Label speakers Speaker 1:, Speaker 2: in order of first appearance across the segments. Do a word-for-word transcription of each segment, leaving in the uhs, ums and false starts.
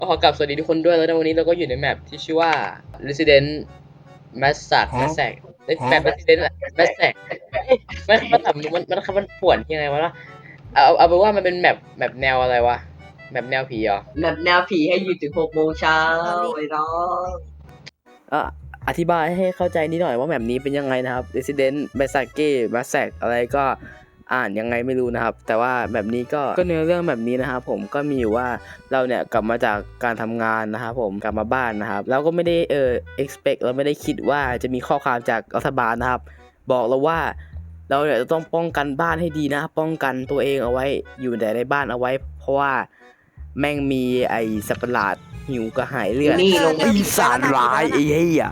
Speaker 1: ขอกลับสวัสดีทุกคนด้วยแล้วในวันนี้เราก็อยู่ในแมปที่ชื่อว่า Resident Masak Masak เอ้ยแมป Resident Masak เอ้ยมันมันทำมันมันมันป่วนยังไงวะล่ะเอาเอาเป็นว่ามันเป็นแมปแมปแนวอะไรวะแมปแนวผีเหรอ
Speaker 2: แบบแนวผีให้อยู่ถึงหกโมงเช้าไอ้น้อง
Speaker 3: เอ่ออธิบายให้เข้าใจนิดหน่อยว่าแมปนี้เป็นยังไงนะครับ Resident Masake Masak อะไรก็อ่านยังไงไม่รู้นะครับแต่ว่าแบบนี้ก็ก็เนื้อเรื่องแบบนี้นะครับผมก็มีอยู่ว่าเราเนี่ยกลับมาจากการทำงานนะครับผมกลับมาบ้านนะครับแล้วก็ไม่ได้เออ expect เราไม่ได้คิดว่าจะมีข้อความจากรัฐบาลนะครับบอกเราว่าเราเนี่ยจะต้องป้องกันบ้านให้ดีนะป้องกันตัวเองเอาไว้อยู่แต่ในบ้านเอาไว้เพราะว่าแม่งมีไอ้สัตว์ประหลาดหิวกระหายเลือด
Speaker 2: นี่ลง
Speaker 3: ปีศาจร้ายไอ้เหี้ย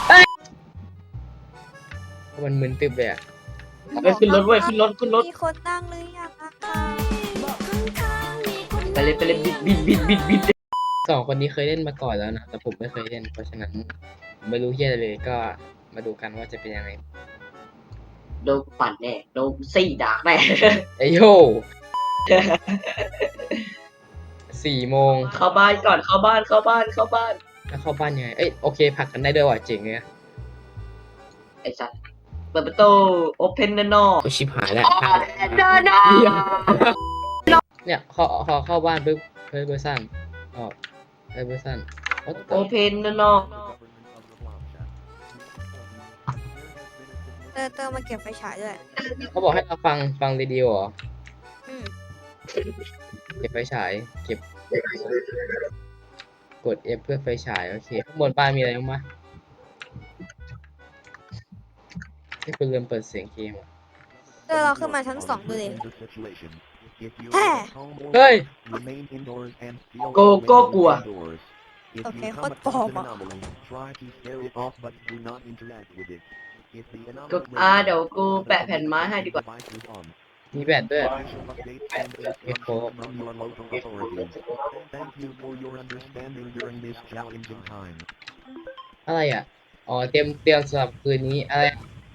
Speaker 1: มันมึนตึบเลยอะ
Speaker 2: ไปขึ้นรถเว้ยขึ้นรถขึ้นรถ
Speaker 4: มีคนตั้งหรือยังอะคะ
Speaker 2: ไปเลยไปเลยบิดบิดบิดบิดบิด
Speaker 1: สองคนนี้เคยเล่นมาก่อนแล้วนะแต่ผมไม่เคยเล่นเพราะฉะนั้นผมไม่รู้เฮียอะไรเลยก็มาดูกันว่าจะเป็นยังไง
Speaker 2: โดนปั่นแน่โดนซี่ด่าแน่
Speaker 1: ไอโยสี่โมง
Speaker 2: เข้าบ้านก่อนเข้าบ้านเข้าบ้านเข้าบ้าน
Speaker 1: แล้วเข้าบ้านยังไงเอ้ยโอเคผลักกันได้ด้วยว่ะเจ๋งเลย
Speaker 2: ไอ้สัสเปิดประตูโอเพนเดนอ
Speaker 1: โอชิบหายแล้ว
Speaker 2: เดินหน้า
Speaker 1: เนี่ยพอพอเข้าบ้านปุ๊บเฮ้ยเบอร์ซันออกเฮ้ยเบอร์ซัน
Speaker 2: โอเพนเดนอ
Speaker 4: เตอร์เตอร์มาเก็บไฟฉายด้วย
Speaker 1: เขาบอกให้เราฟังฟังเรดิโอเหรอ
Speaker 4: อืม
Speaker 1: เก็บไฟฉายเก็บกด F เพื่อไฟฉายโอเคข้างบนบ้านมีอะไรบ้างมะที่คุณลืมเปิดเสียงเกมอ่ะ
Speaker 4: เตอร์เราขึ้นมาชั้นสองดูดิ แฮ่
Speaker 1: เฮ้ย
Speaker 2: โกโก้กลัว
Speaker 4: โอเคโคตรปลอมอ่ะ
Speaker 2: ก็อ่าเดี๋ยวกูแปะแผ่นไม้ให้ดีกว่า
Speaker 1: มีแบตด้วยเอฟโฟ อะไรอ่ะ อ๋อ เตรียมเตรียมสำหรับคืนนี้ อะไร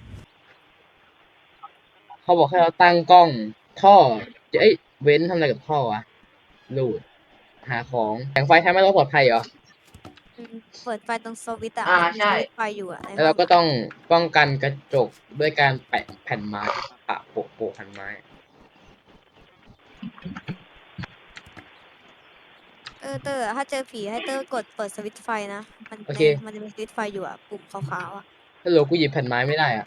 Speaker 1: เขาบอกให้เราตั้งกล้อง ท่อเอ้ย เว้นทำอะไรกับท่อวะลูด หาของ แสงไฟทำให้เราปลอดภัยเหรอ
Speaker 4: อืมเปิดไฟตรงสวิตช์อะ
Speaker 2: อ่า
Speaker 4: มี
Speaker 2: ใช่
Speaker 4: สวิตช์ไฟอยู่อะใน
Speaker 1: แล้วเราก็ต้องป้องกันกระจกด้วยการแปะแผ่นไม้ปะโปะโปะแผ่นไม้
Speaker 4: เออเตอร์ถ้าเจอผีให้เตอร์กดเปิดสวิตช์ไฟนะ มัน
Speaker 1: โอเค
Speaker 4: มันจะมีสวิตช์ไฟอยู่อะปุ่มขาวๆอะ
Speaker 1: ฮัลโหลกูหยิบแผ่นไม้ไม่ได้อ่ะ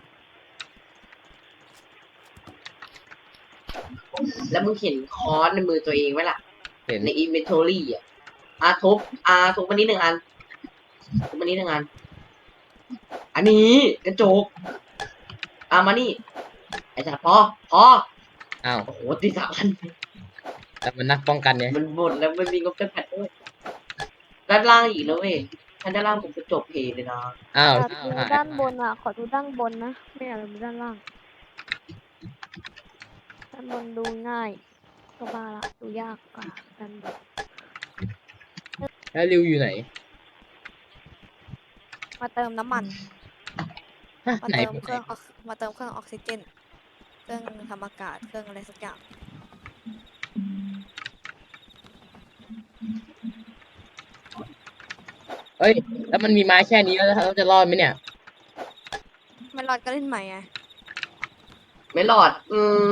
Speaker 2: แล้วมึงเห็นค้อนในมือตัวเองไหมล่ะ
Speaker 1: เห็น
Speaker 2: ในอินเวนทอรี่อ่ะอาทุบอาทุบมานี้หนึ่งอันทุบมานี้หนึ่งอัน อันนี้กระจกอามานี่ไอ้สัตว์พอพอ
Speaker 1: อ้าว
Speaker 2: โอ้โหตีสามอัน
Speaker 1: แต่มันนักป้องกันเนี่ย
Speaker 2: มันหมดแล้วมันมีงบจำกัดด้วยด้านล่างอีกแล้วเว้ยถ้าด้านล่างผมกระจกเพเลยนะ
Speaker 1: อ้าว
Speaker 5: อยากดูด้านบนอ่ะ ขอดูด้านบนนะ ไม่อยากดูด้านล่าง ด้านบนดูง่าย ก็บ้าละ ดูยากกว่าด้านบน
Speaker 1: แล้วริวอยู่ไหน
Speaker 4: มาเติมน้ำมัน
Speaker 1: ฮะ
Speaker 4: มา
Speaker 1: ไหน
Speaker 4: เติมเครื่องออกมาเติมเครื่องออกซิเจน เครื่องทำอากาศ เครื่องอะไรสักอย่าง
Speaker 1: เอ้ย แล้วมันมีไม้แค่นี้แล้วเราจะรอดไหมเนี่ย
Speaker 4: ไม่รอดก็เล่นใหม่ไง
Speaker 2: ไม่หลอด อืม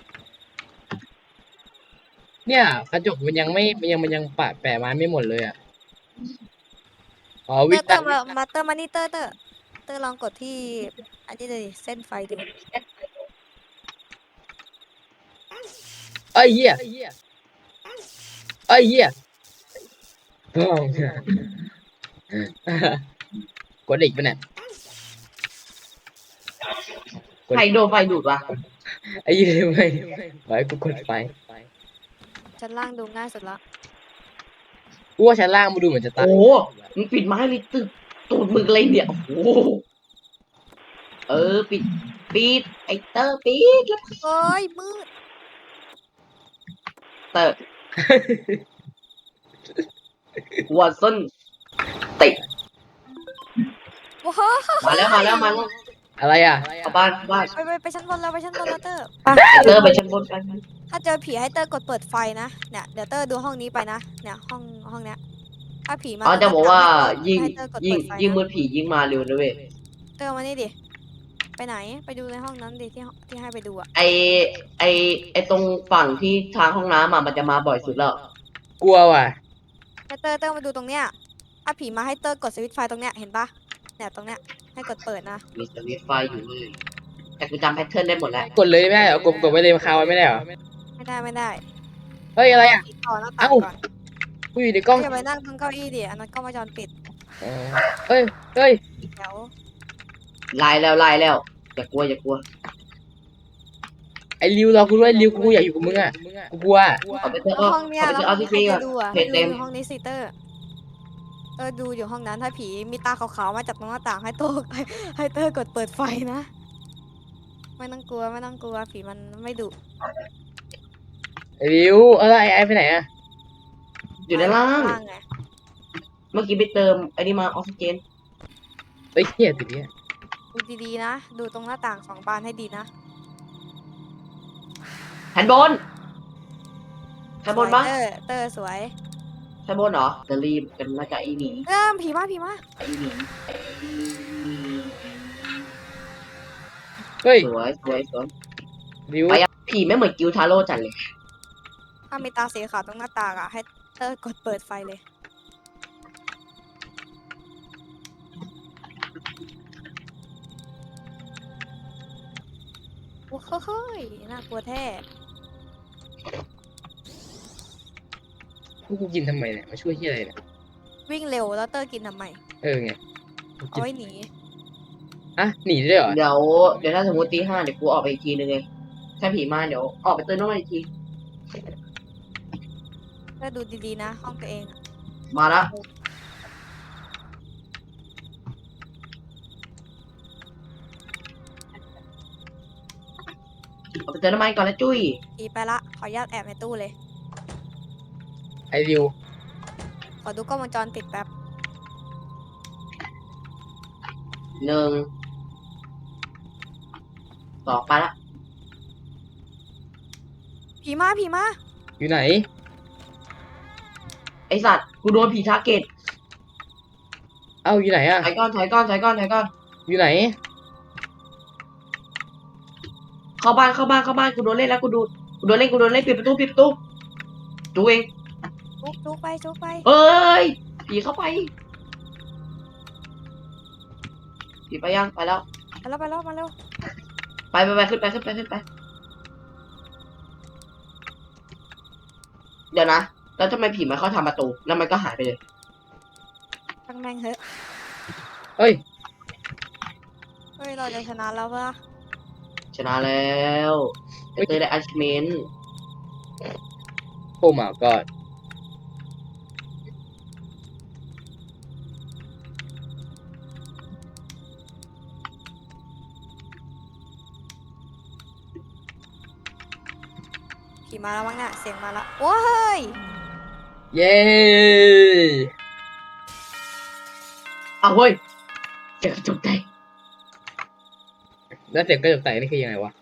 Speaker 1: เนี่ยกระจกมันยังไม่มันยังมันยังปะแปะไม้ไม่หมดเลยอ่ะ อ๋อ
Speaker 4: เต
Speaker 1: วิ
Speaker 4: อร์เต
Speaker 1: ตั
Speaker 4: อน ร์มามาเตอร์มานี่เตอร์เตอร์เตอร์ลองกดที่อันนี้เลยเส้นไฟดู
Speaker 1: เอ้ยเหี้ยเอ้ยเหี้ยป้องกดอีกปะเนี่ยกด
Speaker 2: ไฟโดนไฟดูดวะ
Speaker 1: ไอ้เหี้ยไม่ไว้กูกดไฟ
Speaker 4: ชั้นล่างดูง่ายสุดละ
Speaker 1: กูว่าชั้นล่างมันดูเหมือนจะตาย
Speaker 2: โอ้โหมึงปิดไม้เลยตึกตูดมึงเลยเนี่ย โอ้โห เออ ปิด ปิด ไอเตอร์ปิดแล้ว
Speaker 4: โอ้ยมืด
Speaker 2: เตอร์วอตสันติด
Speaker 4: ว้าว
Speaker 2: มาแล้วมาแล้วมาแล้ว
Speaker 1: อะไรอ่ะ
Speaker 2: เข้าบ้านเข้าบ้าน
Speaker 4: ไปไปไปชั้นบนแล้วไปชั้นบนแล้วเตอร์
Speaker 2: ไอเตอร์ไปชั้นบนกัน
Speaker 4: ถ้าเจอผีให้เตอร์กดเปิดไฟนะเนี่ยเดี๋ยวเตอร์ดูห้องนี้ไปนะเนี่ยห้องห้องเนี้ยถ้าผีมา
Speaker 2: อ๋อจะบอกว่ายิ่ง
Speaker 4: ให้เตอร์กด
Speaker 2: ยิ่ง
Speaker 4: เปิดไฟ
Speaker 2: ยิ่งมื
Speaker 4: นะ
Speaker 2: ดผียิ่งมาเร็วนะเว้ย
Speaker 4: เตอร์มานี่ดิ ไปไหน ไปดูในห้องนั้นดิที่ห้องที่ให้ไปดูอะ
Speaker 2: ไอไอไอตรงฝั่งที่ทางห้องน้ำอ่ะมันจะมาบ่อยสุดแล้ว
Speaker 1: กลัวว่ะ
Speaker 4: ให้เตอร์เตอร์มาดูตรงเนี้ย ถ้าผีมาให้เตอร์กดสวิตช์ไฟตรงเนี้ย เห็นปะเนี่ยตรงเนี้ย ให้กดเปิดนะ
Speaker 2: มีสวิตช์ไฟอยู่เลยแต่กูจำแพทเทิร์นได้หมดแล้ว
Speaker 1: กดเลยไม่ได้เหรอกดกดไว้เลยคาไว้ไม่ได้เหรอ
Speaker 4: ไม่ได้ไม่ได้
Speaker 1: เฮ้ยอะไรอ่ะ
Speaker 4: ผีต่อหน้าต่าง
Speaker 1: เอ้า
Speaker 4: ก่อน
Speaker 1: กูอยู่ในกล้อง
Speaker 4: อย่าไปนั่งตรงเก้าอี้ดิ อันนั้นกล้องวงจรปิด
Speaker 1: อ๋อเฮ้ยเฮ้ย
Speaker 4: เดี๋ยว
Speaker 2: ไล่แล้วไล่แล้วอย่ากลัวอย่ากลัว
Speaker 1: ไอ้ริวรอกูด้วยริวกูอยากอยู่กับมึงอ่ะกูกลัว
Speaker 2: เอาไปเถอะ
Speaker 4: แล้ว
Speaker 2: เอา
Speaker 4: ห้องเนี้ย
Speaker 2: เอาไป
Speaker 4: แล้ว
Speaker 2: เถอะ
Speaker 4: ห้
Speaker 2: เอา
Speaker 4: อง
Speaker 2: ที่
Speaker 4: นี้
Speaker 2: จริง
Speaker 4: ใคร
Speaker 2: อ่ะ
Speaker 4: จะดูอ่ะ
Speaker 2: เพ
Speaker 4: ให้
Speaker 2: จ
Speaker 4: ดู
Speaker 2: เต็ม
Speaker 4: อยู่ห้องนี้สิเตอร์ เตอร์ดูอยู่ห้องนั้น ถ้าผีมีตาขาวๆมาจากตรงหน้าต่างให้โต ให้ให้เตอร์กดเปิดไฟนะ ไม่ต้องกลัวไม่ต้องกลัวผีมันไม่ดุ
Speaker 1: ไอ้ริวเออไอ้ไอ้ไปไหนอ่ะ
Speaker 2: อยู่ด้านล่าง
Speaker 4: ไง
Speaker 2: เมื่อกี้ไปเติมไอ้นี่มาออกซิเจน
Speaker 1: เฮ้ยเฮียติดเนี่ย
Speaker 4: ดูดีๆนะ ดูตรงหน้าต่างสองบานให้ดีนะ
Speaker 2: แฮนด์บนแฮนด์บนปะ
Speaker 4: สวยเตอร์เตอร์สวย
Speaker 2: แฮนด์บนเหรอจะรีบกันมาจากไอ้หนี
Speaker 4: เริ่มผีมาผีมา
Speaker 2: ไอ้หนีไอ้หนี
Speaker 1: เฮ้ย
Speaker 2: สวยสวยสวย
Speaker 1: ริว
Speaker 2: ไปอะผีไม่เหมือนกิวทาโร่จัดเลย
Speaker 4: ถ้ามีตาสีขาวตรงหน้าต่างอ่ะ ให้เตอร์กดเปิดไฟเลย โอ้โหเฮ้ยน่ากลัวแท้
Speaker 1: พวกกูกินทำไมเนี่ยมาช่วยเฮียอะไรเนี่ย
Speaker 4: วิ่งเร็วแล้วเตอร์กินทำไม
Speaker 1: เออไง
Speaker 4: เอาไว้หนี
Speaker 1: อ่ะหนีได้เหรอ
Speaker 2: เดี๋ยวเดี๋ยวถ้าสมมติตีห้าเดี๋ยวกูออกไปอีกทีนึงไงถ้าผีมาเดี๋ยวออกไปเตือนน้องมาอีกที
Speaker 4: เตอร์ดูดีๆนะ ห้องตัวเองอะ
Speaker 2: มาละออกไปเตือนน้องมาก่อนแล้วจุ้ย
Speaker 4: ผีไปละ ขออนุญาตแอบในตู้เลย
Speaker 1: ไอ้ริว
Speaker 4: ขอดูกล้องวงจรปิดแป๊บ
Speaker 2: หนึ่งสองไปละ
Speaker 4: ผีมาผีมา
Speaker 1: อยู่ไหน
Speaker 2: ไอสัตว์กูโดนผีทาร์เก็ต
Speaker 1: เอ้าอยู่ไหนอ่ะ
Speaker 2: ถอยก้อนถอยก้อนถอยก้อนถอยก้อน
Speaker 1: อยู่ไหน
Speaker 2: เข้าบ้านเข้าบ้านเข้าบ้านกูโดนเล่นแล้วกูดูกูโดนเล่นกูโดนเล่นปิดประตูปิดประตูดูเอง
Speaker 4: จุกจุกไปจุกไป
Speaker 2: เอ้ยผีเข้าไปผีไปยังไปแล้ว
Speaker 4: ไปแล้วไปแล้วมาเร็ว
Speaker 2: ไปไปไปขึ้นไปขึ้นไปขึ้นไป เดี๋ยวนะแล้วทำไมผีมันเข้าทำประตูแล้วมันก็หายไปเลย
Speaker 4: ตั้งแม่งเถอะ
Speaker 1: เฮ้ย
Speaker 4: เฮ้ย เราจะชนะแล้วปะ
Speaker 2: ชนะแล้วไอเตยได้อัชเมน
Speaker 1: โอ้ my god
Speaker 4: ผีมาแล้วมั้งเนี่ยเสียงมาแล้วว้าย
Speaker 1: เย้
Speaker 2: เอาเว้ยเจอกระจกใจ
Speaker 1: แล้วเสียงกระจกแตกนี่คือยังไงวะ